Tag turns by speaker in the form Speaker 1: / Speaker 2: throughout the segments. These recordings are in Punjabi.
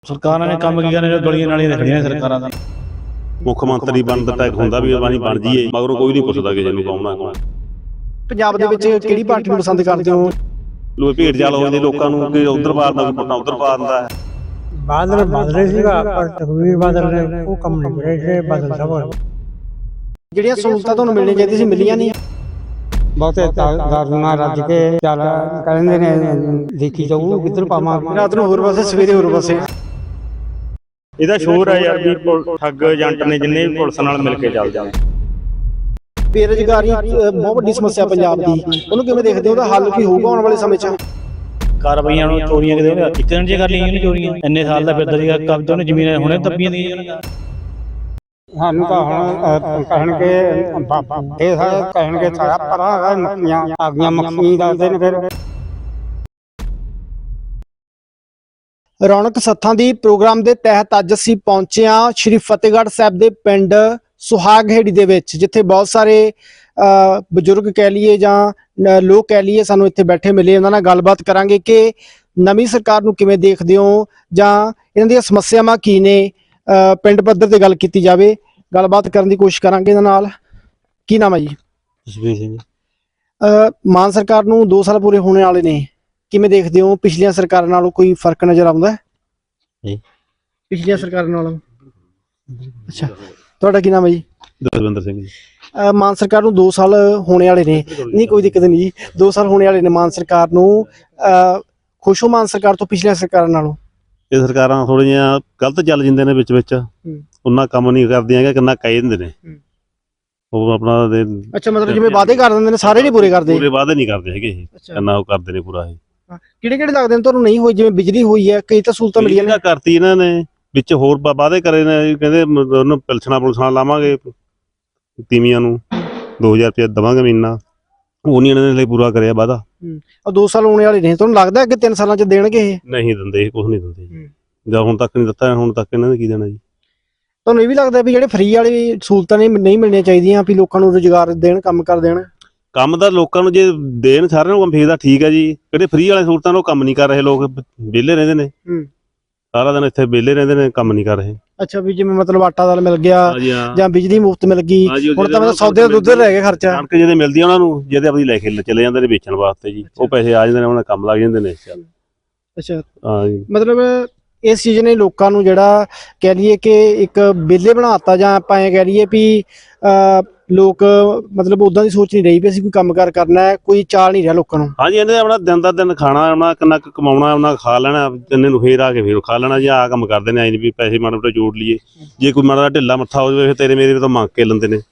Speaker 1: ਸਰਕਾਰਾਂ ਨੇ ਕੰਮ ਕੀ ਕਰਨੇ, ਗਲੀਆਂ ਨਾਲੀਆਂ ਤੇ ਖੜੀਆਂ ਨੇ ਸਰਕਾਰਾਂ ਦਾ।
Speaker 2: ਮੁੱਖ ਮੰਤਰੀ ਬਣਨ ਦਾ ਟੈਕ ਹੁੰਦਾ ਵੀ ਅਸੀਂ ਬਣ ਜਾਈਏ, ਮਗਰੋਂ ਕੋਈ ਨਹੀਂ ਪੁੱਛਦਾ ਕਿਸੇ ਨੂੰ ਕੌਣ ਆ ਕੌਣ।
Speaker 3: ਪੰਜਾਬ ਦੇ ਵਿੱਚ ਕਿਹੜੀ ਪਾਰਟੀ ਨੂੰ ਪਸੰਦ ਕਰਦੇ ਹੋ?
Speaker 2: ਲੋਕ ਭੇਡ ਚਾਲ ਹੋ ਜਾਂਦੇ ਲੋਕਾਂ ਨੂੰ ਕਿ ਉਧਰ ਪਾ ਦਿੰਦਾ, ਕੋਈ ਪੁੱਟਾ ਉਧਰ ਪਾ ਦਿੰਦਾ।
Speaker 4: ਬਾਦਲ ਬਦਲੇ ਸੀਗਾ ਪਰ ਤਕਵੀਰ ਬਾਦਲ ਨੇ ਉਹ ਕੰਮ ਨਹੀਂ ਕਰੇ ਜੇ ਬਾਦਲ ਸਾਹਿਬ
Speaker 3: ਜਿਹੜੀਆਂ ਸਹੂਲਤਾਂ ਤੁਹਾਨੂੰ ਮਿਲਣੀਆਂ ਚਾਹੀਦੀਆਂ ਸੀ ਮਿਲੀਆਂ ਨਹੀਂ।
Speaker 4: ਬਹੁਤੇ ਦਾਰੂਆਂ ਰੱਜ ਕੇ ਚੱਲ ਕਹਿੰਦੇ ਨੇ ਦੇਖੀ ਜਾਊ ਕਿੱਧਰ ਪਾਵਾਂਗੇ
Speaker 3: ਰਾਤ ਨੂੰ ਹੋਰ ਪਾਸੇ ਸਵੇਰੇ ਹੋਰ ਪਾਸੇ।
Speaker 5: ਇਹਦਾ ਸ਼ੋਰ ਹੈ ਯਾਰ ਵੀ ਠੱਗ ਏਜੰਟ ਨੇ ਜਿੰਨੇ ਵੀ ਪੁਲਿਸ ਨਾਲ ਮਿਲ ਕੇ ਚੱਲ ਜਾਂਦੇ।
Speaker 3: ਬੇਰੁਜ਼ਗਾਰੀ ਬਹੁਤ ਵੱਡੀ ਸਮੱਸਿਆ ਪੰਜਾਬ ਦੀ, ਉਹਨੂੰ ਕਿਵੇਂ ਦੇਖਦੇ ਹੋ? ਉਹਦਾ ਹੱਲ ਕੀ ਹੋਊਗਾ ਆਉਣ ਵਾਲੇ ਸਮੇਂ 'ਚ?
Speaker 1: ਕਾਰਵਾਈਆਂ ਨੂੰ ਚੋਰੀਆਂ ਕਿਤੇ ਉਹਨੇ ਇੱਕ ਦਿਨ 'ਚ ਕਰ ਲਈਆਂ ਨੇ ਚੋਰੀਆਂ। ਇੰਨੇ ਸਾਲ ਦਾ ਫਿਰਦਾ ਸੀਗਾ ਕਬਜ਼ਾ, ਉਹਨੇ ਜ਼ਮੀਨਾਂ ਹੁਣੇ ਦੱਬੀਆਂ ਦੀਆਂ।
Speaker 4: ਸਾਨੂੰ ਤਾਂ ਹੁਣ ਕਹਿਣਗੇ ਇਹ ਕਹਿਣਗੇ ਸਾਰਾ ਪਰਾਂ ਮੱਖੀਆਂ ਆ ਗਈਆਂ, ਮੱਖੀ ਦੱਸਦੇ ਨੇ ਫਿਰ।
Speaker 3: ਰੌਣਕ ਸੱਥਾਂ ਦੀ ਪ੍ਰੋਗਰਾਮ ਦੇ ਤਹਿਤ ਅੱਜ ਅਸੀਂ ਪਹੁੰਚੇ ਹਾਂ ਸ਼੍ਰੀ ਫਤਿਹਗੜ੍ਹ ਸਾਹਿਬ ਦੇ ਪਿੰਡ ਸੁਹਾਗਹੇੜੀ ਦੇ ਵਿੱਚ, ਜਿੱਥੇ ਬਹੁਤ ਸਾਰੇ ਬਜ਼ੁਰਗ ਕਹਿ ਲਈਏ ਜਾਂ ਲੋਕ ਕਹਿ ਲਈਏ ਸਾਨੂੰ ਇੱਥੇ ਬੈਠੇ ਮਿਲੇ। ਉਹਨਾਂ ਨਾਲ ਗੱਲਬਾਤ ਕਰਾਂਗੇ ਕਿ ਨਵੀਂ ਸਰਕਾਰ ਨੂੰ ਕਿਵੇਂ ਦੇਖਦੇ ਹੋ ਜਾਂ ਇਹਨਾਂ ਦੀਆਂ ਸਮੱਸਿਆਵਾਂ ਕੀ ਨੇ। ਪਿੰਡ ਪੱਧਰ ਤੇ ਗੱਲ ਕੀਤੀ ਜਾਵੇ, ਗੱਲਬਾਤ ਕਰਨ ਦੀ ਕੋਸ਼ਿਸ਼ ਕਰਾਂਗੇ ਇਹਨਾਂ ਨਾਲ। ਕੀ ਨਾਮ ਹੈ ਜੀ?
Speaker 2: ਜਸਵੀਰ ਸਿੰਘ।
Speaker 3: ਮਾਨ ਸਰਕਾਰ ਨੂੰ 2 ਸਾਲ ਪੂਰੇ ਹੋਣੇ ਵਾਲੇ ਨੇ, ਕਿਵੇਂ ਦੇਖਦੇ ਹੋ? ਪਿਛਲੀਆਂ ਸਰਕਾਰਾਂ ਨਾਲੋਂ ਕੋਈ ਫਰਕ ਨਜ਼ਰ ਆਉਂਦਾ ਹੈ?
Speaker 2: ਨਹੀਂ।
Speaker 3: ਪਿਛਲੀਆਂ ਸਰਕਾਰਾਂ ਨਾਲੋਂ? ਅੱਛਾ, ਤੁਹਾਡਾ ਕੀ ਨਾਮ ਹੈ ਜੀ?
Speaker 2: ਦਰਵਿੰਦਰ ਸਿੰਘ ਜੀ।
Speaker 3: ਮਾਨ ਸਰਕਾਰ ਨੂੰ 2 ਸਾਲ ਹੋਣੇ ਵਾਲੇ ਨੇ, ਨਹੀਂ ਕੋਈ ਦਿੱਕਤ ਨਹੀਂ ਜੀ, 2 ਸਾਲ ਹੋਣੇ ਵਾਲੇ ਨੇ ਮਾਨ ਸਰਕਾਰ ਨੂੰ। ਖੁਸ਼ ਹੋ ਮਾਨ ਸਰਕਾਰ ਤੋਂ ਪਿਛਲੀਆਂ ਸਰਕਾਰਾਂ ਨਾਲੋਂ?
Speaker 2: ਇਹ ਸਰਕਾਰਾਂ ਥੋੜ੍ਹੀਆਂ ਜਿਹੀਆਂ ਗਲਤ ਚੱਲ ਜਾਂਦੇ ਨੇ ਵਿੱਚ ਉਹਨਾਂ ਕੰਮ ਨਹੀਂ ਕਰਦੀਆਂ ਹੈਗਾ, ਕਿੰਨਾ ਕਹਿ ਦਿੰਦੇ ਨੇ ਉਹ ਆਪਣਾ।
Speaker 3: ਅੱਛਾ, ਮਤਲਬ ਜਿਵੇਂ ਵਾਅਦੇ ਕਰ ਦਿੰਦੇ ਨੇ ਸਾਰੇ ਨਹੀਂ ਪੂਰੇ ਕਰਦੇ?
Speaker 2: ਪੂਰੇ ਵਾਅਦੇ ਨਹੀਂ ਕਰਦੇ ਹੈਗੇ ਇਹ, ਕਿੰਨਾ ਉਹ ਕਰਦੇ ਨੇ ਪੂਰਾ ਇਹ।
Speaker 3: ਕਿਹੜੇ ਕਿਹੜੇ ਲੱਗਦੇ ਨੇ ਤੁਹਾਨੂੰ ਨਹੀਂ ਹੋਈ? ਜਿਵੇਂ ਬਿਜਲੀ ਹੋਈ ਹੈ, ਕਈ ਤਾਂ ਸਹੂਲਤਾਂ ਮਿਲੀਆਂ ਨੇ।
Speaker 2: ਕਰਤੀ ਇਹਨਾਂ ਨੇ, ਵਿੱਚ ਹੋਰ ਵਾਅਦੇ ਕਰੇ ਨੇ, ਕਹਿੰਦੇ ਉਹਨੂੰ ਪੁਲਸਣਾ ਲਾਵਾਂਗੇ ਤੀਵੀਆਂ ਨੂੰ 2000 ਰੁਪਏ ਦੇਵਾਂਗੇ ਮਹੀਨਾ, ਉਹ ਨਹੀਂ ਇਹਨਾਂ ਨੇ ਲਈ ਪੂਰਾ ਕਰਿਆ ਵਾਅਦਾ।
Speaker 3: 2 ਸਾਲ ਹੋਣੇ ਵਾਲੇ ਨੇ, ਤੁਹਾਨੂੰ ਲੱਗਦਾ ਕਿ 3 ਸਾਲਾਂ 'ਚ ਦੇਣਗੇ ਇਹ?
Speaker 2: ਨਹੀਂ ਦਿੰਦੇ, ਕੁਝ ਨਹੀਂ ਦਿੰਦੇ ਜਾਂ ਹੁਣ ਤੱਕ ਨਹੀਂ ਦਿੱਤਾ, ਹੁਣ ਤੱਕ ਇਹਨਾਂ ਨੇ ਕੀ ਦੇਣਾ ਜੀ।
Speaker 3: ਤੁਹਾਨੂੰ ਇਹ ਵੀ ਲੱਗਦਾ ਵੀ ਜਿਹੜੇ ਫ੍ਰੀ ਵਾਲੀ ਸਹੂਲਤਾਂ ਨੇ ਨਹੀਂ ਮਿਲਣੀਆਂ ਚਾਹੀਦੀਆਂ, ਵੀ ਲੋਕਾਂ ਨੂੰ ਰੁਜ਼ਗਾਰ ਦੇਣ, ਕੰਮ ਕਰ ਦੇਣ?
Speaker 2: ਕੰਮ ਦਾ ਲੋਕਾਂ ਨੂੰ ਜੇ ਦੇਣ ਸਾਰਿਆਂ ਨੂੰ ਫੇਰ ਤਾਂ ਠੀਕ ਹੈ ਜੀ। ਜਿਹੜੇ ਫ੍ਰੀ ਵਾਲੇ ਸਹੂਲਤਾਂ ਉਹ ਕੰਮ ਨਹੀਂ ਕਰ ਰਹੇ, ਲੋਕ ਵਿਹਲੇ ਰਹਿੰਦੇ ਨੇ, ਸਾਰਾ ਦਿਨ ਇੱਥੇ ਵਿਹਲੇ ਰਹਿੰਦੇ ਨੇ, ਕੰਮ ਨਹੀਂ ਕਰ ਰਹੇ।
Speaker 3: ਅੱਛਾ, ਵੀ ਜਿਵੇਂ ਮਤਲਬ ਆਟਾ ਦਾਲ ਮਿਲ ਗਿਆ ਜਾਂ ਬਿਜਲੀ ਮੁਫਤ ਮਿਲ ਗਈ, ਹੁਣ ਤਾਂ ਮਤਲਬ ਸੌਦੇ ਦਾ ਦੁੱਧ ਰਹਿ ਗਿਆ ਖਰਚਾ।
Speaker 2: ਕਣਕ ਜਿਹਦੇ ਮਿਲਦੀ ਆ ਉਹਨਾਂ ਨੂੰ, ਜਿਹਦੇ ਆਪਣੀ ਲੈ ਕੇ ਚਲੇ ਜਾਂਦੇ ਨੇ ਵੇਚਣ ਵਾਸਤੇ ਜੀ, ਉਹ ਪੈਸੇ ਆ ਜਾਂਦੇ ਨੇ, ਉਹਨਾਂ ਕੰਮ ਲੱਗ ਜਾਂਦੇ ਨੇ।
Speaker 3: ਅੱਛਾ,
Speaker 2: ਹਾਂ ਜੀ।
Speaker 3: ਮਤਲਬ ਇਸ ਚੀਜ਼ ਨੇ ਲੋਕਾਂ ਨੂੰ ਜਿਹੜਾ ਕਹਿ ਲਈਏ ਕਿ ਇੱਕ ਵਿਹਲੇ ਬਣਾਤਾ, ਜਾਂ ਆਪਾਂ ਐਂ ਕਹਿ ਲਈਏ ਵੀ ਲੋਕ ਮਤਲਬ ਉਦਾਂ ਦੀ ਸੋਚ ਨਹੀਂ ਰਹੀ ਵੀ ਅਸੀਂ ਕੋਈ ਕੰਮਕਾਰ ਕਰਨਾ ਹੈ, ਕੋਈ ਚਾਲ ਨਹੀਂ ਰਿਹਾ ਲੋਕਾਂ ਨੂੰ।
Speaker 2: ਹਾਂਜੀ, ਇਹਨੇ ਆਪਣਾ ਦਿਨ ਦਾ ਦਿਨ ਖਾਣਾ, ਆਪਣਾ ਕਿੰਨਾ ਕੁ ਕਮਾਉਣਾ, ਉਹਨਾਂ ਖਾ ਲੈਣਾ, ਤਿੰਨੇ ਨੂੰ ਫੇਰ ਆ ਕੇ ਫੇਰ ਖਾ ਲੈਣਾ ਜੀ। ਆਹ ਕੰਮ ਕਰਦੇ ਨੇ, ਐਂ ਵੀ ਪੈਸੇ ਮਾੜੇ ਮੋਟੇ ਜੋੜ ਲਈਏ। ਜੇ ਕੋਈ ਮਾੜਾ ਢਿੱਲਾ ਮੱਥਾ ਹੋ ਜਾਵੇ ਫਿਰ ਤੇਰੇ ਮੇਰੇ ਤੋਂ ਮੰਗ ਕੇ ਲੈਂਦੇ ਨੇ।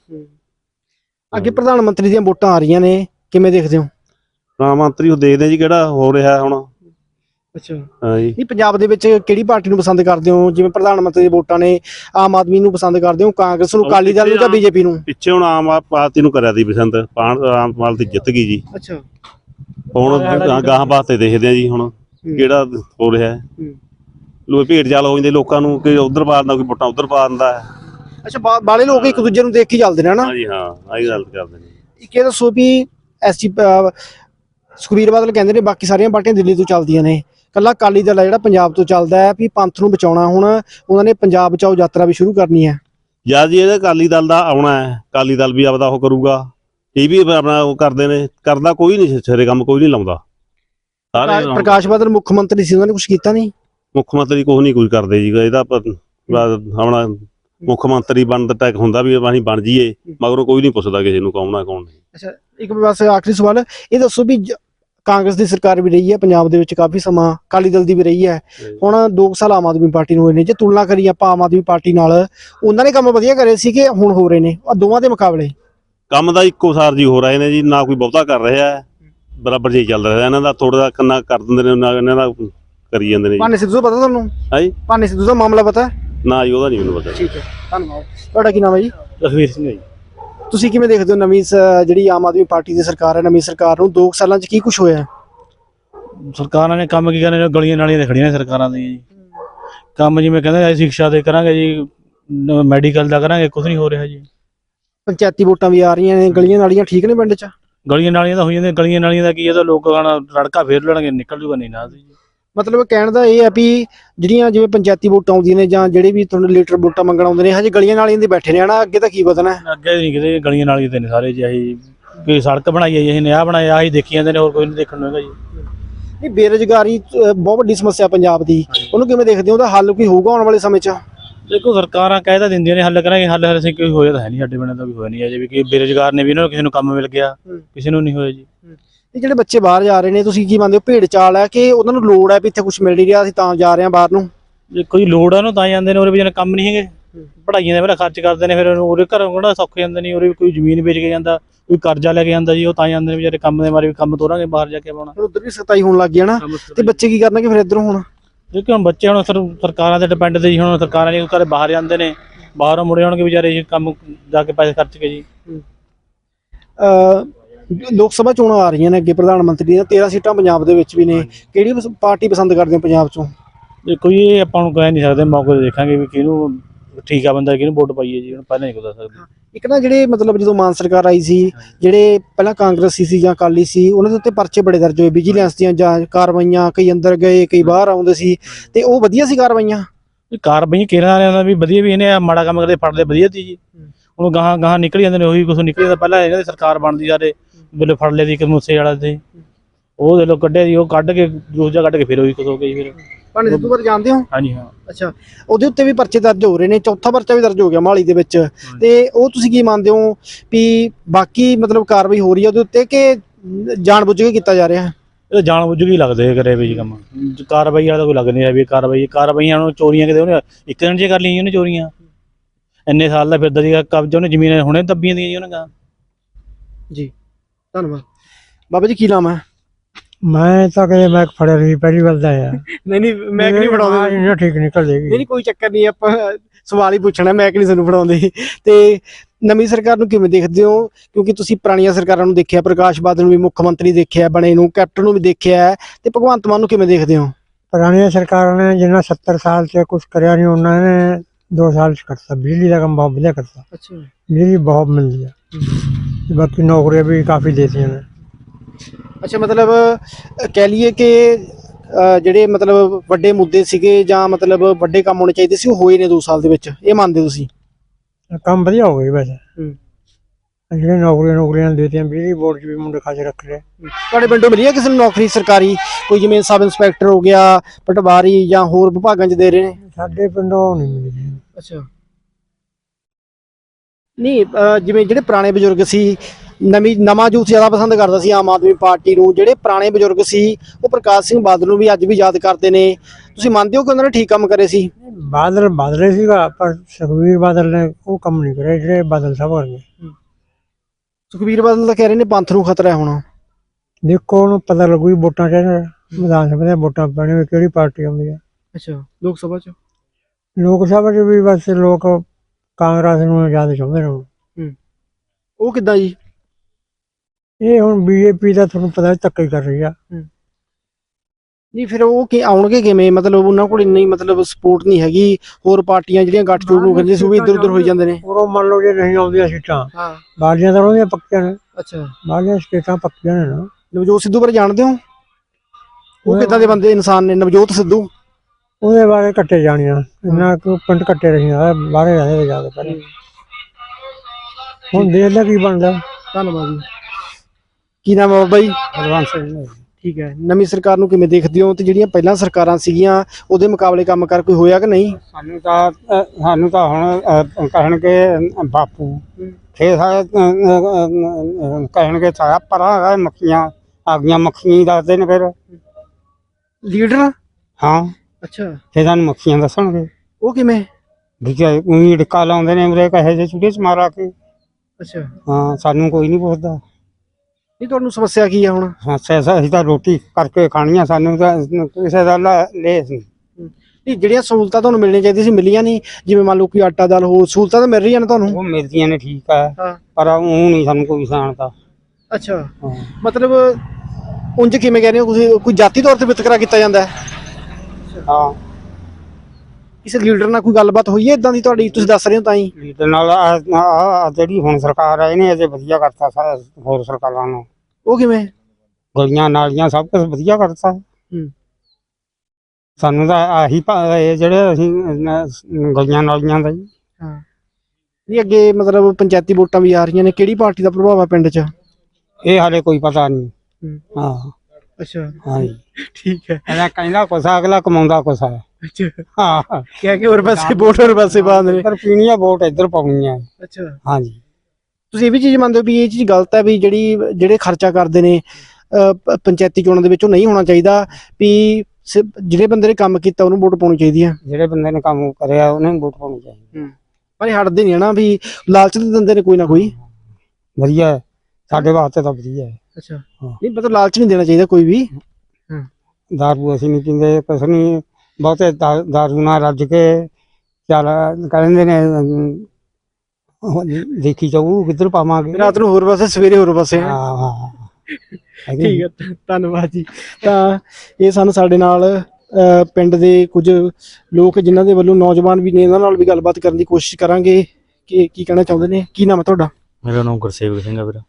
Speaker 3: ਅੱਗੇ ਪ੍ਰਧਾਨ ਮੰਤਰੀ ਦੀਆਂ ਵੋਟਾਂ ਆ ਰਹੀਆਂ ਨੇ, ਕਿਵੇਂ ਦੇਖਦੇ ਹੋ?
Speaker 2: ਪ੍ਰਧਾਨ ਮੰਤਰੀ ਉਹ ਦੇਖਦੇ ਜੀ ਕਿਹੜਾ ਹੋ ਰਿਹਾ ਹੁਣ।
Speaker 3: ਅੱਛਾ,
Speaker 2: ਹਾਂਜੀ।
Speaker 3: ਨਹੀਂ ਪੰਜਾਬ ਦੇ ਵਿੱਚ ਕਿਹੜੀ ਪਾਰਟੀ ਨੂੰ ਪਸੰਦ ਕਰਦੇ ਹੋ? ਜਿਵੇਂ ਪ੍ਰਧਾਨ ਮੰਤਰੀ ਦੀਆਂ ਵੋਟਾਂ ਨੇ, ਆਮ ਆਦਮੀ ਨੂੰ ਪਸੰਦ ਕਰਦੇ ਹੋ, ਕਾਂਗਰਸ ਨੂੰ, ਅਕਾਲੀ ਦਲ ਨੂੰ ਜਾਂ ਬੀਜੇਪੀ ਨੂੰ? ਪਿੱਛੇ
Speaker 2: ਹੁਣ ਆਮ ਪਾਰਟੀ ਨੂੰ ਕਰਿਆ ਦੀ ਪਸੰਦ, ਆਮ ਪਾਰਟੀ ਜਿੱਤ ਗਈ ਜੀ।
Speaker 3: ਅੱਛਾ,
Speaker 2: ਹੁਣ ਗਾਹਾਂ ਵਾਸਤੇ ਦੇਖਦੇ ਆ ਜੀ ਹੁਣ ਕਿਹੜਾ ਹੋ ਰਿਹਾ। ਲੋਕ ਭੇਡ ਚਾਲ ਹੋ ਜਾਂਦੇ ਲੋਕਾਂ ਨੂੰ ਕਿ ਉਧਰ ਪਾ ਦਿੰਦਾ, ਕੋਈ ਪੁੱਟਾ ਉਧਰ ਪਾ ਦਿੰਦਾ।
Speaker 3: ਅੱਛਾ, ਬਾਲੇ ਲੋਕ ਇੱਕ ਦੂਜੇ ਨੂੰ ਦੇਖ ਕੇ ਚੱਲਦੇ ਨੇ ਹਨਾ?
Speaker 2: ਹਾਂਜੀ ਹਾਂ, ਆਹੀ ਗੱਲ ਕਰਦੇ ਨੇ।
Speaker 3: ਇੱਕ ਇਹ ਦੱਸੋ ਵੀ ਸੁਖਬੀਰ ਬਾਦਲ ਕਹਿੰਦੇ ਨੇ ਬਾਕੀ ਸਾਰੀਆਂ ਪਾਰਟੀਆਂ ਦਿੱਲੀ ਤੋਂ ਚੱਲਦੀਆਂ ਨੇ, ਕੱਲਾ ਅਕਾਲੀ ਦਲ ਆ ਜਿਹੜਾ ਪੰਜਾਬ ਤੋਂ ਚੱਲਦਾ ਹੈ, ਵੀ ਪੰਥ ਨੂੰ ਬਚਾਉਣਾ। ਹੁਣ ਉਹਨਾਂ ਨੇ ਪੰਜਾਬ ਬਚਾਓ ਯਾਤਰਾ ਵੀ ਸ਼ੁਰੂ ਕਰਨੀ ਹੈ।
Speaker 2: ਯਾਰ ਜੀ ਇਹਦਾ ਅਕਾਲੀ ਦਲ ਦਾ ਆਉਣਾ ਹੈ, ਅਕਾਲੀ ਦਲ ਵੀ ਆਪਦਾ ਉਹ ਕਰੂਗਾ, ਇਹ ਵੀ ਆਪਣਾ ਉਹ ਕਰਦੇ ਨੇ। ਕਰਦਾ ਕੋਈ ਨਹੀਂ, ਸਿਰੇ ਕੰਮ ਕੋਈ ਨਹੀਂ ਲਾਉਂਦਾ। ਸਾਰੇ
Speaker 3: ਪ੍ਰਕਾਸ਼ ਬਾਦਲ ਮੁੱਖ ਮੰਤਰੀ ਸੀ, ਉਹਨਾਂ ਨੇ ਕੁਝ ਕੀਤਾ ਨਹੀਂ?
Speaker 2: ਮੁੱਖ ਮੰਤਰੀ ਕੁਛ ਨਹੀਂ ਕੋਈ ਕਰਦੇ ਜੀ। ਇਹਦਾ ਆਪਣਾ ਮੁੱਖ ਮੰਤਰੀ ਬਣਨ ਦਾ ਟੈਕ ਹੁੰਦਾ ਵੀ ਅਸੀਂ ਬਣ ਜਾਈਏ, ਮਗਰੋਂ ਕੋਈ ਨਹੀਂ ਪੁੱਛਦਾ ਕਿਸੇ ਨੂੰ ਕੌਣ ਆ ਕੌਣ ਨਹੀਂ। ਅੱਛਾ,
Speaker 3: ਇੱਕ ਬਸ ਆਖਰੀ ਸਵਾਲ ਇਹ ਦੱਸੋ ਵੀ ਕਾਂਗਰਸ ਦੀ ਸਰਕਾਰ ਵੀ ਰਹੀ ਹੈ ਪੰਜਾਬ ਦੇ ਵਿੱਚ ਕਾਫੀ ਸਮਾਂ, ਅਕਾਲੀ ਦਲ ਦੀ ਵੀ ਰਹੀ ਹੈ, ਹੁਣ 2 ਸਾਲ ਆਮ ਆਦਮੀ ਪਾਰਟੀ ਨੂੰ ਹੋਏ ਨੇ। ਜੇ ਤੁਲਨਾ ਕਰੀਏ ਆਪਾਂ ਆਮ ਆਦਮੀ ਪਾਰਟੀ ਨਾਲ, ਉਹਨਾਂ ਨੇ ਕੰਮ ਵਧੀਆ ਕਰੇ ਸੀ ਕਿ ਹੁਣ ਹੋ ਰਹੇ ਨੇ ਦੋਵਾਂ ਦੇ ਮੁਕਾਬਲੇ?
Speaker 2: ਕੰਮ ਦਾ ਇੱਕੋ ਸਾਰ ਜੀ ਹੋ ਰਹੇ ਨੇ ਜੀ, ਨਾ ਕੋਈ ਬਹੁਤਾ ਕਰ ਰਿਹਾ, ਬਰਾਬਰ ਜੀ ਚੱਲ ਰਿਹਾ ਇਹਨਾਂ ਦਾ। ਥੋੜਾ ਕਿੰਨਾ ਕਰ ਦਿੰਦੇ ਨੇ, ਇਹਨਾਂ ਦਾ ਕਰੀ ਜਾਂਦੇ ਨੇ।
Speaker 3: ਭਾਨੇ ਸਿੱਧੂ ਦਾ ਪਤਾ ਤੁਹਾਨੂੰ?
Speaker 2: ਹਾਂਜੀ,
Speaker 3: ਭਾਨੇ ਸਿੱਧੂ ਦਾ ਮਾਮਲਾ ਪਤਾ?
Speaker 2: ਨਾ ਜੀ, ਉਹਦਾ ਨਹੀਂ ਮੈਨੂੰ ਪਤਾ।
Speaker 3: ਠੀਕ ਹੈ, ਧੰਨਵਾਦ। ਤੁਹਾਡਾ ਕੀ ਨਾਮ ਹੈ ਜੀ?
Speaker 1: ਜਸਵੀਰ ਸਿੰਘ ਜੀ।
Speaker 3: ਤੁਸੀਂ ਕਿਵੇਂ ਦੇਖਦੇ ਹੋ ਨਵੀਂ ਜਿਹੜੀ ਆਮ ਆਦਮੀ ਪਾਰਟੀ ਦੀ ਸਰਕਾਰ ਹੈ, ਨਵੀਂ ਸਰਕਾਰ ਨੂੰ 2 ਸਾਲਾਂ 'ਚ ਕੀ ਕੁਝ ਹੋਇਆ?
Speaker 1: ਸਰਕਾਰਾਂ ਨੇ ਕੰਮ ਕੀ ਕਰਨੇ, ਗਲੀਆਂ ਨਾਲੀਆਂ ਤੇ ਖੜੀਆਂ ਨੇ ਸਰਕਾਰਾਂ ਦੀਆਂ ਜੀ। ਕੰਮ ਜਿਵੇਂ ਕਹਿੰਦੇ ਸਿੱਖਿਆ ਦੇ ਕਰਾਂਗੇ ਜੀ, ਮੈਡੀਕਲ ਦਾ ਕਰਾਂਗੇ, ਕੁਝ ਨਹੀਂ ਹੋ ਰਿਹਾ ਜੀ।
Speaker 3: ਪੰਚਾਇਤੀ ਵੋਟਾਂ ਵੀ ਆ ਰਹੀਆਂ ਨੇ, ਗਲੀਆਂ ਨਾਲੀਆਂ ਠੀਕ ਨੇ ਪਿੰਡ 'ਚ?
Speaker 1: ਗਲੀਆਂ ਨਾਲੀਆਂ ਤਾਂ ਹੋ ਜਾਂਦੀਆਂ, ਗਲੀਆਂ ਨਾਲੀਆਂ ਦਾ ਕੀ ਹੈ, ਤਾਂ ਲੋਕ ਰੜਕਾ ਫੇਰ ਲੈਣਗੇ, ਨਿਕਲ ਜੂਗਾ ਨਹੀਂ ਨਾ ਜੀ।
Speaker 3: ਮਤਲਬ ਕਹਿਣ ਦਾ ਇਹ ਆ ਵੀ ਜਿਹੜੀਆਂ ਜਿਵੇਂ ਪੰਚਾਇਤੀ ਵੋਟਾਂ ਆਉਂਦੀਆਂ ਨੇ ਜਾਂ ਜਿਹੜੇ ਵੀ ਤੁਹਾਨੂੰ ਲੀਡਰ ਵੋਟਾਂ ਮੰਗਣ ਆਉਂਦੇ ਨੇ ਹਜੇ ਗਲੀਆਂ ਨਾਲੀਆਂ ਦੇ ਬੈਠੇ ਨੇ ਹਨਾ, ਅੱਗੇ ਤਾਂ ਕੀ ਵਧਣਾ ਹੈ?
Speaker 1: ਅੱਗੇ ਨਹੀਂ ਕਿਤੇ ਗਲੀਆਂ ਨਾਲੀਆਂ ਤੇ ਨੇ ਸਾਰੇ ਜੀ, ਆਹੀ ਕੋਈ ਸੜਕ ਬਣਾਈ ਹੈ ਜੀ, ਅਸੀਂ ਨਿਆਂ ਬਣਾਇਆ, ਆਹੀ ਦੇਖੀ ਜਾਂਦੇ ਨੇ, ਹੋਰ ਕੋਈ ਨਹੀਂ ਦੇਖਣ ਨੂੰ ਹੈਗਾ ਜੀ।
Speaker 3: ਨਹੀਂ ਬੇਰੁਜ਼ਗਾਰੀ ਬਹੁਤ ਵੱਡੀ ਸਮੱਸਿਆ ਪੰਜਾਬ ਦੀ, ਉਹਨੂੰ ਕਿਵੇਂ ਦੇਖਦੇ ਹੋ? ਉਹਦਾ ਹੱਲ ਕੋਈ ਹੋਊਗਾ ਆਉਣ ਵਾਲੇ ਸਮੇਂ 'ਚ?
Speaker 1: ਦੇਖੋ ਸਰਕਾਰਾਂ ਕਹਿ ਤਾਂ ਦਿੰਦੀਆਂ ਨੇ ਹੱਲ ਕਰਾਂਗੇ, ਹੱਲ ਅਸੀਂ ਕੋਈ ਹੋਇਆ ਤਾਂ ਹੈ ਨਹੀਂ, ਸਾਡੇ ਪਿੰਡ ਦਾ ਵੀ ਹੋਇਆ ਨਹੀਂ ਅਜੇ ਵੀ, ਕਿ ਬੇਰੁਜ਼ਗਾਰ ਨੇ ਵੀ ਇਹਨਾਂ ਨੂੰ ਕਿਸੇ ਨੂੰ ਕੰਮ ਮਿਲ ਗਿਆ, ਕਿਸੇ ਨੂੰ ਨਹੀਂ ਹੋਇਆ ਜੀ।
Speaker 3: ਇਹ ਜਿਹੜੇ ਬੱਚੇ ਬਾਹਰ ਜਾ ਰਹੇ ਨੇ ਤੁਸੀਂ ਕੀ ਮੰਨਦੇ ਹੋ, ਭੇਡ ਚਾਲ ਹੈ ਕਿ ਉਹਨਾਂ ਨੂੰ ਲੋੜ ਹੈ ਵੀ ਇੱਥੇ ਕੁਝ ਮਿਲ ਨਹੀਂ ਰਿਹਾ ਅਸੀਂ ਤਾਂ ਜਾ ਰਹੇ ਹਾਂ ਬਾਹਰ ਨੂੰ?
Speaker 1: ਜੇ ਕੋਈ ਲੋੜ ਆ ਨੂੰ ਤਾਂ ਜਾਂਦੇ ਨੇ, ਉਹਦੇ ਵਿੱਚ ਕੰਮ ਨਹੀਂ ਹੈਗੇ, ਪੜ੍ਹਾਈਆਂ ਦੇ ਪਹਿਲਾਂ ਖਰਚ ਕਰਦੇ ਨੇ, ਫਿਰ ਉਹਦੇ ਘਰੋਂ ਕਿਹੜਾ ਸੌਖੇ ਜਾਂਦੇ ਨਹੀਂ, ਉਹਦੇ ਕੋਈ ਜ਼ਮੀਨ ਵੇਚ ਕੇ ਜਾਂਦਾ, ਕੋਈ ਕਰਜ਼ਾ ਲੈ ਕੇ ਜਾਂਦਾ ਜੀ, ਉਹ ਤਾਂ ਜਾਂਦੇ ਨੇ ਵਿਚਾਰੇ ਕੰਮ ਦੇ ਮਾਰੇ ਵੀ ਕੰਮ ਤੋਰਾਂਗੇ ਬਾਹਰ ਜਾ ਕੇ ਪਾਉਣਾ।
Speaker 3: ਫਿਰ ਉੱਧਰ ਵੀ ਸਖਤਾਈ ਹੋਣ ਲੱਗ ਗਈ ਹੈ ਨਾ, ਤੇ ਬੱਚੇ ਕੀ ਕਰਨਗੇ ਫਿਰ ਇੱਧਰੋਂ ਹੁਣ?
Speaker 1: ਕਿਉਂਕਿ ਹੁਣ ਬੱਚੇ ਹੁਣ ਸਰਕਾਰਾਂ ਤੇ ਡਿਪੈਂਡ ਤੇ ਜੀ, ਹੁਣ ਸਰਕਾਰਾਂ ਨੇ ਘਰੇ ਬਾਹਰ ਜਾਂਦੇ ਨੇ, ਬਾਹਰੋਂ ਮੁੜੇ ਆਉਣਗੇ ਵਿਚਾਰੇ ਜੀ ਕੰਮ ਜਾ ਕੇ ਪੈਸੇ ਖਰਚ ਕੇ ਜੀ।
Speaker 3: ਲੋਕ ਸਭਾ ਚੋਣਾਂ ਆ ਰਹੀਆਂ ਨੇ ਅੱਗੇ ਪ੍ਰਧਾਨ ਮੰਤਰੀ ਦੀਆਂ, 13 ਸੀਟਾਂ ਪੰਜਾਬ ਦੇ ਵਿੱਚ ਵੀ ਨੇ, ਕਿਹੜੀ ਪਾਰਟੀ ਪਸੰਦ ਕਰਦੇ ਹੋ ਪੰਜਾਬ ਚੋਂ?
Speaker 1: ਦੇਖੋ ਜੀ ਇਹ ਆਪਾਂ ਨੂੰ ਕਹਿ ਨਹੀਂ ਸਕਦੇ, ਮੌਕੇ ਤੇ ਦੇਖਾਂਗੇ ਵੀ ਕਿਹਨੂੰ ਠੀਕ ਆ ਬੰਦਾ, ਕਿਹਨੂੰ ਵੋਟ ਪਾਈਏ ਜੀ, ਹੁਣ ਪਹਿਲਾਂ ਨਹੀਂ ਦੱਸ ਸਕਦੇ।
Speaker 3: ਇੱਕ ਨਾ ਜਿਹੜੇ ਮਤਲਬ ਜਦੋਂ ਮਾਨ ਸਰਕਾਰ ਆਈ ਸੀ, ਜਿਹੜੇ ਪਹਿਲਾਂ ਕਾਂਗਰਸੀ ਸੀ ਜਾਂ ਅਕਾਲੀ ਸੀ, ਉਹਨਾਂ ਦੇ ਉੱਤੇ ਪਰਚੇ ਬੜੇ ਦਰਜ ਹੋਏ, ਵਿਜੀਲੈਂਸ ਦੀਆਂ ਜਾਂ ਕਾਰਵਾਈਆਂ, ਕਈ ਅੰਦਰ ਗਏ ਕਈ ਬਾਹਰ ਆਉਂਦੇ ਸੀ, ਤੇ ਉਹ ਵਧੀਆ ਸੀ ਕਾਰਵਾਈਆਂ?
Speaker 1: ਕਾਰਵਾਈ ਕਿਹਨਾਂ ਵਾਲਿਆਂ ਦਾ ਵੀ ਵਧੀਆ, ਵੀ ਇਹਨੇ ਮਾੜਾ ਕੰਮ ਕਰਦੇ ਫੜਦੇ ਵਧੀਆ ਸੀ ਜੀ, ਹੁਣ ਗਾਹਾਂ ਨਿਕਲ ਜਾਂਦੇ ਨੇ, ਉਹੀ ਕੁਛ ਨਿਕਲ ਜਾਂਦਾ। ਪਹਿਲਾਂ ਇਹਨਾਂ ਦੀ ਸਰਕਾਰ ਬਣਦੀ ਸਾਰੇ ਬਿੱਲ ਫੜ ਲਏ ਦੀ ਇੱਕ ਮੂਸੇ ਵਾਲਾ ਤੇ ਉਹ ਦੇ ਲੋ ਕੱਢਿਆ ਜੀ, ਉਹ ਕੱਢ ਕੇ ਦੂਜਾ ਕੱਢ ਕੇ ਫਿਰ ਉਹੀ ਕੁਛ ਹੋ ਗਿਆ ਜੀ। ਫਿਰ
Speaker 3: ਭਾਣੇ ਸਿੱਧੂ ਬਾਰੇ ਜਾਣਦੇ ਹੋ?
Speaker 1: ਹਾਂਜੀ ਹਾਂ।
Speaker 3: ਅੱਛਾ, ਉਹਦੇ ਉੱਤੇ ਵੀ ਪਰਚੇ ਦਰਜ ਹੋ ਰਹੇ ਨੇ, ਚੌਥਾ ਪਰਚਾ ਵੀ ਦਰਜ ਹੋ ਗਿਆ ਮੋਹਾਲੀ ਦੇ ਵਿੱਚ, ਤੇ ਉਹ ਤੁਸੀਂ ਕੀ ਮੰਨਦੇ ਹੋ ਵੀ ਬਾਕੀ ਮਤਲਬ ਕਾਰਵਾਈ ਹੋ ਰਹੀ ਹੈ ਉਹਦੇ ਉੱਤੇ ਕਿ ਜਾਣਬੁੱਝ ਕੇ ਕੀਤਾ ਜਾ ਰਿਹਾ?
Speaker 1: ਇਹ ਜਾਣ ਬੁੱਝ ਕੇ ਹੀ ਲੱਗਦੇ ਕਰੇ ਵੀ ਜੀ ਕੰਮ, ਕਾਰਵਾਈ ਵਾਲਾ ਤਾਂ ਕੋਈ ਲੱਗ ਨਹੀਂ ਰਿਹਾ ਵੀ ਕਾਰਵਾਈਆਂ ਨੂੰ। ਚੋਰੀਆਂ ਕਿਤੇ ਉਹਨੇ ਇੱਕ ਦਿਨ 'ਚ ਕਰ ਲਈਆਂ ਉਹਨੇ ਚੋਰੀਆਂ, ਇੰਨੇ ਸਾਲ ਦਾ ਫਿਰਦਾ ਸੀਗਾ, ਕਬਜ਼ਾ ਉਹਨੇ ਜ਼ਮੀਨਾਂ ਹੁਣੇ ਦੱਬੀਆਂ ਦੀਆਂ ਜੀ ਉਹਨੇ ਗਾ।
Speaker 3: ਜੀ ਧੰਨਵਾਦ। ਬਾਬਾ ਜੀ ਕੀ ਨਾਮ ਹੈ?
Speaker 4: ਮੈਂ ਤਾਂ ਕਦੇ ਮੈਂ ਫੜਿਆ ਨਹੀਂ, ਪਹਿਲੀ ਵਾਰ ਦਾ ਆ।
Speaker 3: ਨਹੀਂ ਮੈਂ ਨਹੀਂ ਫੜਾਉਂਦੇ,
Speaker 4: ਨਹੀਂ ਠੀਕ ਨਿਕਲ ਜਾਏਗੀ।
Speaker 3: ਨਹੀਂ ਕੋਈ ਚੱਕਰ ਨਹੀਂ, ਆਪਾਂ ਸਵਾਲ ਹੀ ਪੁੱਛਣਾ, ਮੈਂ ਕਿ ਨਹੀਂ ਤੁਹਾਨੂੰ ਫੜਾਉਂਦੇ। ਤੇ ਨਵੀਂ ਸਰਕਾਰ ਨੂੰ ਕਿਵੇਂ ਦੇਖਦੇ ਹੋ? ਕਿਉਂਕਿ ਤੁਸੀਂ ਪੁਰਾਣੀਆਂ ਸਰਕਾਰਾਂ ਨੂੰ ਦੇਖਿਆ, ਪ੍ਰਕਾਸ਼ ਬਾਦਲ ਨੂੰ ਵੀ ਮੁੱਖ ਮੰਤਰੀ ਦੇਖਿਆ ਬਣੇ ਨੂੰ, ਕੈਪਟਨ ਨੂੰ ਵੀ ਦੇਖਿਆ, ਤੇ ਭਗਵੰਤ ਮਾਨ ਨੂੰ ਕਿਵੇਂ ਦੇਖਦੇ ਹੋ?
Speaker 4: ਪੁਰਾਣੀਆਂ ਸਰਕਾਰਾਂ ਨੇ ਜਿੰਨਾ 70 ਸਾਲ 'ਚ ਕੁਝ ਕਰਿਆ ਨਹੀਂ, ਉਹਨਾਂ ਨੇ 2 ਸਾਲ 'ਚ ਕਰਤਾ। ਬਿਜਲੀ ਦਾ ਕੰਮ ਬਹੁਤ ਵਧੀਆ ਕਰਤਾ,
Speaker 3: ਅੱਛਾ,
Speaker 4: ਬਿਜਲੀ ਬਹੁਤ ਮਿਲਦੀ ਆ, ਬਾਕੀ ਨੌਕਰੀਆਂ ਵੀ ਕਾਫੀ ਦੇਤੀਆਂ ਨੇ।
Speaker 3: ਅੱਛਾ, ਮਤਲਬ ਕਹਿ ਲਈਏ ਕਿ ਜਿਹੜੇ ਮਤਲਬ ਵੱਡੇ ਮੁੱਦੇ ਸੀਗੇ ਜਾਂ ਮਤਲਬ ਵੱਡੇ ਕੰਮ ਹੋਣੇ ਚਾਹੀਦੇ ਸੀ ਉਹ ਹੋਏ ਨੇ 2 ਸਾਲ ਦੇ ਵਿੱਚ, ਇਹ ਮੰਨਦੇ ਤੁਸੀਂ?
Speaker 4: ਕੰਮ ਵਧੀਆ ਹੋ ਗਿਆ ਵੈਸੇ। ਜਿਹੜੇ ਨੌਕਰੀਆਂ ਦੇਤੀਆਂ, ਬਿਜਲੀ ਬੋਰਡ 'ਚ ਵੀ ਮੁੰਡੇ ਖਾਸੇ ਰੱਖ ਲਏ।
Speaker 3: ਤੁਹਾਡੇ ਪਿੰਡੋਂ ਮਿਲੀ ਹੈ ਕਿਸੇ ਨੂੰ ਨੌਕਰੀ ਸਰਕਾਰੀ, ਕੋਈ ਜਿਵੇਂ ਸਬ ਇੰਸਪੈਕਟਰ ਹੋ ਗਿਆ, ਪਟਵਾਰੀ ਜਾਂ ਹੋਰ ਵਿਭਾਗਾਂ 'ਚ ਦੇ ਰਹੇ ਨੇ?
Speaker 4: ਸਾਡੇ ਪਿੰਡੋਂ ਨਹੀਂ ਮਿਲੀ।
Speaker 3: ਅੱਛਾ, ਨਹੀਂ ਜਿਵੇਂ ਜਿਹੜੇ ਪੁਰਾਣੇ ਬਜ਼ੁਰਗ ਸੀ, ਨਵਾਂ ਯੂਥ ਜ਼ਿਆਦਾ ਪਸੰਦ ਕਰਦਾ ਸੀ ਆਮ ਆਦਮੀ ਪਾਰਟੀ ਨੂੰ, ਜਿਹੜੇ ਪੁਰਾਣੇ ਬਜ਼ੁਰਗ ਸੀ ਉਹ ਪ੍ਰਕਾਸ਼ ਸਿੰਘ ਬਾਦਲ ਨੂੰ ਵੀ ਅੱਜ ਵੀ ਯਾਦ ਕਰਦੇ ਨੇ, ਤੁਸੀਂ ਮੰਨਦੇ ਹੋ ਕਿ ਉਹਨਾਂ ਨੇ ਠੀਕ ਕੰਮ ਕਰੇ ਸੀ?
Speaker 4: ਬਾਦਲ ਸੀਗਾ, ਪਰ ਸੁਖਬੀਰ ਬਾਦਲ ਨੇ ਉਹ ਕੰਮ ਨਹੀਂ ਕਰਿਆ ਜਿਹੜੇ ਬਾਦਲ ਸਾਹਿਬ ਵਰਗੇ।
Speaker 3: ਸੁਖਬੀਰ ਬਾਦਲ ਤਾਂ ਕਹਿ ਰਹੇ ਨੇ ਪੰਥ ਨੂੰ ਖਤਰਾ ਹੈ ਹੁਣ।
Speaker 4: ਦੇਖੋ ਉਹਨੂੰ ਪਤਾ ਲੱਗੂ ਵੋਟਾਂ 'ਚ, ਵਿਧਾਨ ਸਭਾ ਦੀਆਂ ਵੋਟਾਂ ਪੈਣੀਆਂ, ਕਿਹੜੀ ਪਾਰਟੀ ਆਉਂਦੀ ਹੈ।
Speaker 3: ਅੱਛਾ, ਲੋਕ ਸਭਾ 'ਚ?
Speaker 4: ਲੋਕ ਸਭਾ 'ਚ ਵੀ ਬਸ ਲੋਕ ਕਾਂਗਰਸ ਨੂੰ ਜ਼ਿਆਦਾ ਚਾਹੁੰਦੇ ਨੇ ਹੁਣ।
Speaker 3: ਉਹ ਕਿੱਦਾਂ ਜੀ?
Speaker 4: ਇਹ ਹੁਣ ਬੀਜੇਪੀ ਦਾ ਤੁਹਾਨੂੰ ਪਤਾ ਧੱਕਾ ਹੀ ਕਰ ਰਹੀ ਆ।
Speaker 3: ਨਹੀਂ ਫਿਰ ਉਹ ਕਿ ਆਉਣਗੇ ਕਿਵੇਂ, ਮਤਲਬ ਉਹਨਾਂ ਕੋਲ ਇੰਨੀ ਮਤਲਬ ਸਪੋਰਟ ਨਹੀਂ ਹੈਗੀ, ਹੋਰ ਪਾਰਟੀਆਂ ਜਿਹੜੀਆਂ ਗੱਠਜੋੜ ਨੂੰ ਕਹਿੰਦੇ ਸੀ ਉਹ ਵੀ ਇੱਧਰ ਉੱਧਰ ਹੋਈ ਜਾਂਦੇ ਨੇ।
Speaker 4: ਉਹ ਮੰਨ ਲਓ ਜੇ ਨਹੀਂ ਆਉਂਦੀਆਂ ਸੀਟਾਂ,
Speaker 3: ਹਾਂ,
Speaker 4: ਬਾਲੀਆਂ ਤਾਂ ਉਹਦੀਆਂ ਪੱਕੀਆਂ ਨੇ।
Speaker 3: ਅੱਛਾ,
Speaker 4: ਬਾਲੀਆਂ ਸਟੇਟਾਂ ਪੱਕੀਆਂ ਨੇ ਨਾ।
Speaker 3: ਨਵਜੋਤ ਸਿੱਧੂ ਬਾਰੇ ਜਾਣਦੇ ਹੋ? ਉਹ ਕਿੱਦਾਂ ਦੇ ਬੰਦੇ ਇਨਸਾਨ ਨੇ ਨਵਜੋਤ ਸਿੱਧੂ?
Speaker 4: ਉਹਦੇ ਬਾਰੇ ਕੱਟੇ ਜਾਣੀਆਂ, ਇੰਨਾ ਕੁ ਪਿੰਡ ਕੱਟੇ ਰਹੀਆਂ, ਬਾਹਰੇ ਰਹਿੰਦੇ ਜ਼ਿਆਦਾ ਪਹਿਲਾਂ। ਹੁਣ ਦੇਖ ਲੈ ਕੀ ਬਣਦਾ।
Speaker 3: ਧੰਨਵਾਦ ਜੀ। ਕੀ ਨਾਮ ਹੈ ਬਾਬਾ ਜੀ?
Speaker 4: ਹਰਵੰਸ ਸਿੰਘ।
Speaker 3: ਠੀਕ ਹੈ, ਨਵੀਂ ਸਰਕਾਰ ਨੂੰ ਕਿਵੇਂ ਦੇਖਦੇ ਹੋ, ਤੇ ਜਿਹੜੀਆਂ ਪਹਿਲਾਂ ਸਰਕਾਰਾਂ ਸੀਗੀਆਂ ਉਹਦੇ ਮੁਕਾਬਲੇ ਕੰਮ ਕਰ ਕੋਈ ਹੋਇਆ ਕਿ ਨਹੀਂ?
Speaker 4: ਸਾਨੂੰ ਤਾਂ ਹੁਣ ਕਹਿਣਗੇ ਬਾਪੂ, ਫੇਰ ਕਹਿਣਗੇ ਸਾਰਾ ਪਰਾਂ ਹੈਗਾ, ਮੱਖੀਆਂ ਆ ਗਈਆਂ, ਮੱਖੀਆਂ ਦੱਸਦੇ ਨੇ ਫਿਰ
Speaker 3: ਲੀਡਰ।
Speaker 4: ਹਾਂ,
Speaker 3: ਅੱਛਾ,
Speaker 4: ਫੇਰ ਸਾਨੂੰ ਮੱਖੀਆਂ ਦੱਸਣਗੇ।
Speaker 3: ਉਹ ਕਿਵੇਂ?
Speaker 4: ਉਹੀ ਡਿੱਕਾ ਲਾਉਂਦੇ ਨੇ ਉਰੇ ਕਹੇ ਜੇ ਚੁੱਡੇ ਚ ਮਾਰਾ ਕੇ।
Speaker 3: ਅੱਛਾ,
Speaker 4: ਹਾਂ, ਸਾਨੂੰ ਕੋਈ ਨਹੀਂ ਪੁੱਛਦਾ।
Speaker 3: ਨਹੀਂ ਤੁਹਾਨੂੰ ਸਮੱਸਿਆ ਕੀ ਹੈ ਹੁਣ?
Speaker 4: ਅਸੀਂ ਤਾਂ ਰੋਟੀ ਕਰਕੇ ਖਾਣੀ ਆ, ਸਾਨੂੰ ਤਾਂ ਕਿਸੇ ਦਾ ਲੈਸ ਨਹੀਂ।
Speaker 3: ਨਹੀਂ ਜਿਹੜੀਆਂ ਸਹੂਲਤਾਂ ਤੁਹਾਨੂੰ ਮਿਲਣੀਆਂ ਚਾਹੀਦੀਆਂ ਸੀ ਮਿਲੀਆਂ ਨਹੀਂ, ਜਿਵੇਂ ਮੰਨ ਲਓ ਕੋਈ ਆਟਾ ਦਾਲ, ਹੋਰ ਸਹੂਲਤਾਂ ਤਾਂ ਮਿਲ ਰਹੀਆਂ ਨੇ ਤੁਹਾਨੂੰ?
Speaker 4: ਉਹ ਮਿਲਦੀਆਂ ਨੇ, ਠੀਕ ਹੈ,
Speaker 3: ਹਾਂ,
Speaker 4: ਪਰ ਉਹ ਨਹੀਂ ਸਾਨੂੰ ਕੋਈ ਜਾਣਦਾ।
Speaker 3: ਅੱਛਾ,
Speaker 4: ਹਾਂ,
Speaker 3: ਮਤਲਬ ਉਂਝ ਕਿਵੇਂ ਕਹਿ ਰਹੇ ਹੋ ਤੁਸੀਂ, ਕੋਈ ਜਾਤੀ ਤੌਰ ਤੇ ਵਿਤਕਰਾ ਕੀਤਾ ਜਾਂਦਾ ਹੈ?
Speaker 4: ਹਾਂ,
Speaker 3: ਕਿਸੇ ਲੀਡਰ ਨਾਲ ਕੋਈ ਗੱਲਬਾਤ ਹੋਈ ਹੈ ਇਦਾਂ ਦੀ ਤੁਹਾਡੀ, ਤੁਸੀਂ ਦੱਸ ਰਹੇ ਹੋ ਤਾਂ ਹੀ?
Speaker 4: ਲੀਡਰ ਨਾਲ ਜਿਹੜੀ ਹੁਣ ਸਰਕਾਰ ਆਈ ਨੇ ਅਜੇ ਵਧੀਆ ਕਰਤਾ ਹੋਰ ਸਰਕਾਰਾਂ ਨੂੰ।
Speaker 3: ਉਹ ਕਿਵੇਂ?
Speaker 4: ਗਲੀਆਂ ਨਾਲੀਆਂ ਸਭ ਕੁਝ ਵਧੀਆ ਕਰਤਾ। ਸਾਨੂੰ ਤਾਂ ਆਹੀ ਇਹ ਜਿਹੜੇ ਅਸੀਂ ਗਲੀਆਂ ਨਾਲੀਆਂ ਦਾ ਜੀ।
Speaker 3: ਹਾਂ ਇਹ ਅੱਗੇ ਮਤਲਬ ਪੰਚਾਇਤੀ ਵੋਟਾਂ ਵੀ ਆ ਰਹੀਆਂ ਨੇ, ਕਿਹੜੀ ਪਾਰਟੀ ਦਾ ਪ੍ਰਭਾਵ ਆ ਪਿੰਡ 'ਚ?
Speaker 4: ਇਹ ਹਾਲੇ ਕੋਈ ਪਤਾ ਨਹੀਂ। ਹਾਂ
Speaker 3: ਅੱਛਾ
Speaker 4: ਹਾਂ ਜੀ।
Speaker 3: ਠੀਕ ਹੈ।
Speaker 4: ਇਹਦਾ ਕਹਿੰਦਾ ਕੁਛ ਆ, ਅਗਲਾ ਕਮਾਉਂਦਾ ਕੁਛ ਹੈ।
Speaker 3: ਅੱਛਾ
Speaker 4: ਹਾਂ
Speaker 3: ਕਹਿ ਕੇ ਹੋਰ ਪਾਸੇ ਵੋਟ ਹੋਰ ਪਾਸੇ ਪਾਉਂਦੇ ਨੇ।
Speaker 4: ਇੱਧਰ ਪੀਣੀ ਆ ਵੋਟ, ਇੱਧਰ ਪਾਉਣੀ ਆ।
Speaker 3: ਅੱਛਾ
Speaker 4: ਹਾਂ ਜੀ।
Speaker 3: ਤੁਸੀਂ ਇਹ ਵੀ ਚੀਜ਼ ਮੰਨਦੇ ਹੋ ਵੀ ਇਹ ਚੀਜ਼ ਗਲਤ ਹੈ ਵੀ ਜਿਹੜੇ ਖਰਚਾ ਕਰਦੇ ਨੇ ਪੰਚਾਇਤੀ ਚੋਣਾਂ ਦੇ ਵਿੱਚ ਉਹ ਨਹੀਂ ਹੋਣਾ ਚਾਹੀਦਾ, ਵੀ ਜਿਹੜੇ ਬੰਦੇ ਨੇ ਕੰਮ ਕੀਤਾ ਉਹਨੂੰ ਵੋਟ ਪਾਉਣੀ ਚਾਹੀਦੀ ਆ?
Speaker 4: ਜਿਹੜੇ ਬੰਦੇ ਨੇ ਕੰਮ ਕਰਿਆ ਉਹਨੂੰ ਵੋਟ ਪਾਉਣੀ ਚਾਹੀਦੀ।
Speaker 3: ਪਰ ਇਹ ਹਟਦੇ ਨਹੀਂ ਨਾ, ਵੀ ਲਾਲਚ ਦੇ ਦਿੰਦੇ ਨੇ ਕੋਈ ਨਾ ਕੋਈ।
Speaker 4: ਵਧੀਆ ਹੈ, ਸਾਡੇ ਵਾਸਤੇ ਤਾਂ ਵਧੀਆ ਹੈ।
Speaker 3: ਅੱਛਾ ਨਹੀਂ ਮਤਲਬ ਲਾਲਚ ਨਹੀਂ ਦੇਣਾ ਚਾਹੀਦਾ ਕੋਈ ਵੀ।
Speaker 4: ਦਾਰੂ ਅਸੀਂ ਨਹੀਂ ਪੀਂਦੇ, ਕੁਛ ਨਹੀਂ, ਬਹੁਤੇ ਦਾਰੂ ਨਾਲ ਰੱਜ ਕੇ ਚੱਲ ਕਹਿੰਦੇ ਨੇ ਦੇਖੀ ਜਾਊ ਕਿੱਧਰ ਪਾਵਾਂਗੇ।
Speaker 3: ਰਾਤ ਨੂੰ ਹੋਰ ਪਾਸੇ ਸਵੇਰੇ ਹੋਰ ਪਾਸੇ।
Speaker 4: ਹਾਂ
Speaker 3: ਠੀਕ ਹੈ ਧੰਨਵਾਦ ਜੀ। ਤਾਂ ਇਹ ਸਨ ਸਾਡੇ ਨਾਲ ਪਿੰਡ ਦੇ ਕੁਝ ਲੋਕ ਜਿਨ੍ਹਾਂ ਦੇ ਵੱਲੋਂ ਨੌਜਵਾਨ ਵੀ ਨੇ, ਇਹਨਾਂ ਨਾਲ ਵੀ ਗੱਲਬਾਤ ਕਰਨ ਦੀ ਕੋਸ਼ਿਸ਼ ਕਰਾਂਗੇ ਕਿ ਕੀ ਕਹਿਣਾ ਚਾਹੁੰਦੇ ਨੇ। ਕੀ ਨਾਮ ਹੈ ਤੁਹਾਡਾ?
Speaker 1: ਮੇਰਾ ਨਾਮ ਗੁਰਸੇਵਕ ਸਿੰਘ ਹੈ ਵੀਰ।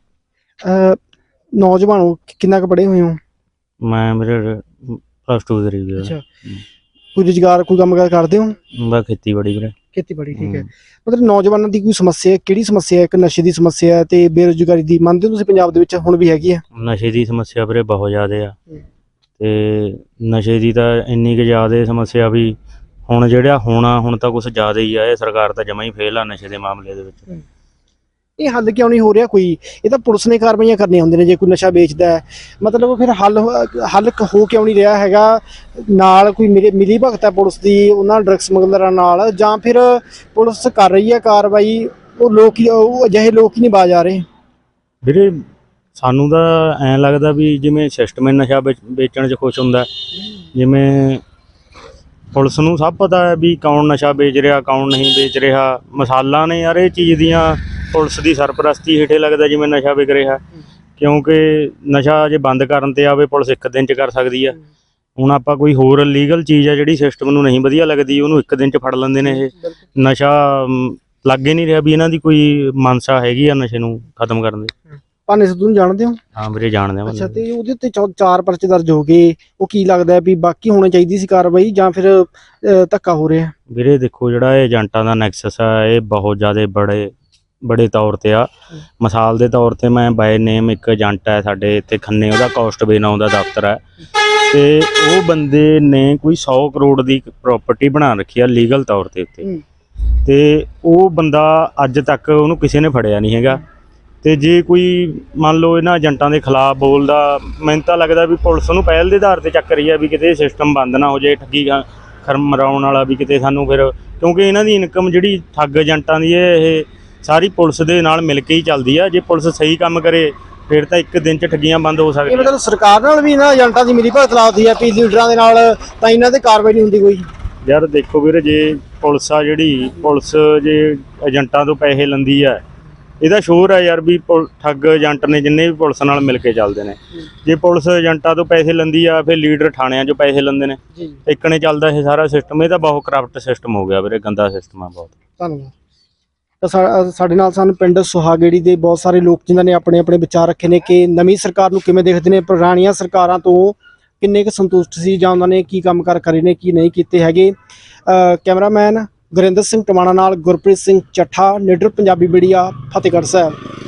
Speaker 3: ਨੌਜਵਾਨ ਹੋ, ਕਿੰਨਾ ਕੁ ਪੜ੍ਹੇ ਹੋਏ ਹੋ?
Speaker 1: ਮੈਂ ਮੇਰੇ +2 ਕਰੀ ਵੀਰ।
Speaker 3: ਅੱਛਾ ਕੋਈ ਰੁਜ਼ਗਾਰ ਕੋਈ ਕੰਮ ਕਾਰ ਕਰਦੇ ਹੋ?
Speaker 1: ਮੈਂ ਖੇਤੀਬਾੜੀ ਵੀਰੇ।
Speaker 3: ਖੇਤੀਬਾੜੀ ਠੀਕ ਹੈ। ਮਤਲਬ ਨੌਜਵਾਨਾਂ ਦੀ ਕੋਈ ਸਮੱਸਿਆ ਕਿਹੜੀ ਸਮੱਸਿਆ ਹੈ? ਇੱਕ ਨਸ਼ੇ ਦੀ ਸਮੱਸਿਆ ਹੈ ਤੇ ਬੇਰੁਜ਼ਗਾਰੀ ਦੀ, ਮੰਨਦੇ ਹੋ ਤੁਸੀਂ ਪੰਜਾਬ ਦੇ ਵਿੱਚ ਹੁਣ ਵੀ ਹੈਗੀ ਹੈ?
Speaker 1: ਨਸ਼ੇ ਦੀ ਸਮੱਸਿਆ ਵੀਰੇ ਬਹੁਤ ਜ਼ਿਆਦਾ ਆ, ਤੇ ਨਸ਼ੇ ਦੀ ਤਾਂ ਇੰਨੀ ਕੁ ਜ਼ਿਆਦਾ ਸਮੱਸਿਆ ਵੀ ਹੁਣ ਜਿਹੜਾ ਹੁਣ ਤਾਂ ਕੁਛ ਜ਼ਿਆਦਾ ਹੀ ਆ। ਇਹ ਸਰਕਾਰ ਤਾਂ ਜਮਾਂ ਹੀ ਫੇਲ ਆ ਨਸ਼ੇ ਦੇ ਮਾਮਲੇ ਦੇ ਵਿੱਚ।
Speaker 3: ਇਹ ਹੱਲ ਕਿਉਂ ਨਹੀਂ ਹੋ ਰਿਹਾ ਕੋਈ? ਇਹ ਤਾਂ ਪੁਲਿਸ ਨੇ ਕਾਰਵਾਈਆਂ ਕਰਨੀਆਂ ਹੁੰਦੀਆਂ ਨੇ ਜੇ ਕੋਈ ਨਸ਼ਾ ਵੇਚਦਾ ਹੈ, ਮਤਲਬ ਫਿਰ ਹੱਲ ਹੋ ਕਿਉਂ ਨਹੀਂ ਰਿਹਾ ਹੈਗਾ? ਨਾਲ ਕੋਈ ਮਿਲੀ ਭਗਤ ਹੈ ਪੁਲਿਸ ਦੀ ਉਹਨਾਂ ਡਰੱਗ ਸਮਗਲਰਾਂ ਨਾਲ, ਜਾਂ ਫਿਰ ਪੁਲਿਸ ਕਰ ਰਹੀ ਹੈ ਕਾਰਵਾਈ, ਉਹ ਅਜਿਹੇ ਲੋਕ ਹੀ ਨਹੀਂ ਬਾਜ਼ ਆ ਰਹੇ?
Speaker 1: ਵੀਰੇ ਸਾਨੂੰ ਤਾਂ ਐਂ ਲੱਗਦਾ ਵੀ ਜਿਵੇਂ ਸਿਸਟਮ ਨਸ਼ਾ ਵੇਚਣ 'ਚ ਖੁਸ਼ ਹੁੰਦਾ, ਜਿਵੇਂ ਪੁਲਿਸ ਨੂੰ ਸਭ ਪਤਾ ਹੈ ਵੀ ਕੌਣ ਨਸ਼ਾ ਵੇਚ ਰਿਹਾ ਕੌਣ ਨਹੀਂ ਵੇਚ ਰਿਹਾ। ਮਿਸਾਲਾਂ ਨੇ ਯਾਰ ਇਹ ਚੀਜ਼ ਦੀਆਂ, ਪੁਲਿਸ ਦੀ ਸਰਪ੍ਰਸਤੀ ਹੇਠੇ ਲੱਗਦਾ ਜਿਵੇਂ ਨਸ਼ਾ ਵਿਕ ਰਿਹਾ, ਕਿਉਂਕਿ ਨਸ਼ਾ ਜੇ ਬੰਦ ਕਰਨ ਤੇ ਆਵੇ ਪੁਲਿਸ ਇੱਕ ਦਿਨ 'ਚ ਕਰ ਸਕਦੀ ਆ। ਹੁਣ ਆਪਾਂ ਕੋਈ ਹੋਰ ਲੀਗਲ ਚੀਜ਼ ਆ ਜਿਹੜੀ ਸਿਸਟਮ ਨੂੰ ਨਹੀਂ ਵਧੀਆ ਲੱਗਦੀ, ਉਹਨੂੰ ਇੱਕ ਦਿਨ 'ਚ ਫੜ ਲੈਂਦੇ ਨੇ। ਇਹ ਨਸ਼ਾ ਲੱਗ ਹੀ ਨਹੀਂ ਰਿਹਾ ਵੀ ਇਹਨਾਂ ਦੀ ਕੋਈ ਮਨਸਾ ਹੈਗੀ ਆ ਨਸ਼ੇ ਨੂੰ ਖਤਮ ਕਰਨ ਦੀ।
Speaker 3: ਭਾਨੇ ਸਿੱਧੂ ਨੂੰ ਜਾਣਦੇ ਹੋ?
Speaker 1: ਹਾਂ ਵੀਰੇ ਜਾਣਦੇ ਹਾਂ।
Speaker 3: ਅੱਛਾ ਤੇ ਉਹਦੇ ਉੱਤੇ 4 ਪਰਚੇ ਦਰਜ ਹੋ ਗਏ, ਉਹ ਕੀ ਲੱਗਦਾ ਵੀ ਬਾਕੀ ਹੋਣੀ ਚਾਹੀਦੀ ਸੀ ਕਾਰਵਾਈ ਜਾਂ ਫਿਰ ਧੱਕਾ ਹੋ ਰਿਹਾ?
Speaker 1: ਵੀਰੇ ਦੇਖੋ ਜਿਹੜਾ ਇਹ ਏਜੰਟਾਂ ਦਾ ਨੈਕਸਸ ਆ ਇਹ ਬਹੁਤ ਜ਼ਿਆਦਾ ਬੜੇ ਤੌਰ ਤੇ ਆ। ਮਿਸਾਲ ਦੇ ਤੌਰ ਤੇ ਮੈਂ ਬਾਏ ਨੇਮ ਇੱਕ ਏਜੰਟ ਹੈ ਸਾਡੇ ਇੱਥੇ ਖੰਨੇ, ਉਹਦਾ ਕੋਸਟਵੇ ਨਾਂ ਦਾ ਦਫ਼ਤਰ ਹੈ, ਤੇ ਉਹ ਬੰਦੇ ਨੇ ਕੋਈ 100 ਕਰੋੜ ਦੀ ਪ੍ਰਾਪਰਟੀ ਬਣਾ ਰੱਖੀ ਆ ਲੀਗਲ ਤੌਰ ਤੇ ਉੱਤੇ, ਤੇ ਉਹ ਬੰਦਾ ਅੱਜ ਤੱਕ ਉਹਨੂੰ ਕਿਸੇ ਨੇ ਫੜਿਆ ਨਹੀਂ ਹੈਗਾ। ਤੇ ਜੇ ਕੋਈ ਮੰਨ ਲਓ ਇਹਨਾਂ ਏਜੰਟਾਂ ਦੇ ਖਿਲਾਫ ਬੋਲਦਾ, ਮੈਨੂੰ ਤਾਂ ਲੱਗਦਾ ਵੀ ਪੁਲਿਸ ਉਹਨੂੰ ਪਹਿਲ ਦੇ ਆਧਾਰ ਤੇ ਚੱਕ ਰਹੀ ਆ ਵੀ ਕਿਤੇ ਸਿਸਟਮ ਬੰਦ ਨਾ ਹੋ ਜਾਏ ਠੱਗੀ ਮਰਾਉਣ ਵਾਲਾ, ਵੀ ਕਿਤੇ ਸਾਨੂੰ ਫਿਰ, ਕਿਉਂਕਿ ਇਹਨਾਂ ਦੀ ਇਨਕਮ ਜਿਹੜੀ ਠੱਗ ਏਜੰਟਾਂ ਦੀ ਇਹ ਸਾਰੀ ਪੁਲਿਸ ਦੇ ਨਾਲ ਮਿਲ ਕੇ ਹੀ ਚੱਲਦੀ ਆ। ਜੇ ਪੁਲਿਸ ਸਹੀ ਕੰਮ ਕਰੇ ਫਿਰ ਤਾਂ ਇੱਕ ਦਿਨ 'ਚ ਠੱਗੀਆਂ ਬੰਦ ਹੋ ਸਕਦੀਆਂ।
Speaker 3: ਮਤਲਬ ਸਰਕਾਰ ਨਾਲ ਵੀ ਇਹਨਾਂ ਏਜੰਟਾਂ ਦੀ ਮਿਲੀ ਭਗਤ ਲਾਉਂਦੀ ਹੈ ਵੀ ਲੀਡਰਾਂ ਦੇ ਨਾਲ ਤਾਂ ਇਹਨਾਂ ਤੇ ਕਾਰਵਾਈ ਨਹੀਂ ਹੁੰਦੀ ਕੋਈ?
Speaker 1: ਯਾਰ ਦੇਖੋ ਵੀਰੇ, ਜੇ ਪੁਲਿਸ ਆ ਜਿਹੜੀ ਪੁਲਿਸ ਜੇ ਏਜੰਟਾਂ ਤੋਂ ਪੈਸੇ ਲੈਂਦੀ ਆ, ਇਹਦਾ ਸ਼ੋਰ ਹੈ ਯਾਰ ਵੀ ਠੱਗ ਏਜੰਟ ਨੇ ਜਿੰਨੇ ਵੀ ਪੁਲਿਸ ਨਾਲ ਮਿਲ ਕੇ ਚੱਲਦੇ ਨੇ। ਜੇ ਪੁਲਿਸ ਏਜੰਟਾਂ ਤੋਂ ਪੈਸੇ ਲੈਂਦੀ ਆ ਫਿਰ ਲੀਡਰ ਥਾਣਿਆਂ 'ਚੋਂ ਪੈਸੇ ਲੈਂਦੇ ਨੇ, ਇੱਕ ਨੇ ਚੱਲਦਾ ਇਹ ਸਾਰਾ ਸਿਸਟਮ। ਇਹ ਤਾਂ ਬਹੁਤ ਕਰਪਟ ਸਿਸਟਮ ਹੋ ਗਿਆ ਵੀਰੇ, ਗੰਦਾ ਸਿਸਟਮ ਆ ਬਹੁਤ।
Speaker 3: ਧੰਨਵਾਦ। ਤਾਂ ਸਾਡੇ ਨਾਲ ਸਾਨੂੰ ਪਿੰਡ ਸੁਹਾਗੇੜੀ ਦੇ ਬਹੁਤ ਸਾਰੇ ਲੋਕ ਜਿਨ੍ਹਾਂ ਨੇ ਆਪਣੇ ਆਪਣੇ ਵਿਚਾਰ ਰੱਖੇ ਨੇ ਕਿ ਨਵੀਂ ਸਰਕਾਰ ਨੂੰ ਕਿਵੇਂ ਦੇਖਦੇ ਨੇ, ਪੁਰਾਣੀਆਂ ਸਰਕਾਰਾਂ ਤੋਂ ਕਿੰਨੇ ਕੁ ਸੰਤੁਸ਼ਟ ਸੀ ਜਾਂ ਉਹਨਾਂ ਨੇ ਕੀ ਕੰਮ ਕਾਰ ਕਰੇ ਨੇ ਕੀ ਨਹੀਂ ਕੀਤੇ ਹੈਗੇ। ਕੈਮਰਾਮੈਨ ਗੁਰਿੰਦਰ ਸਿੰਘ ਟਮਾਣਾ ਨਾਲ ਗੁਰਪ੍ਰੀਤ ਸਿੰਘ ਚੱਠਾ, ਲੀਡਰ ਪੰਜਾਬੀ ਮੀਡੀਆ, ਫਤਿਹਗੜ੍ਹ ਸਾਹਿਬ।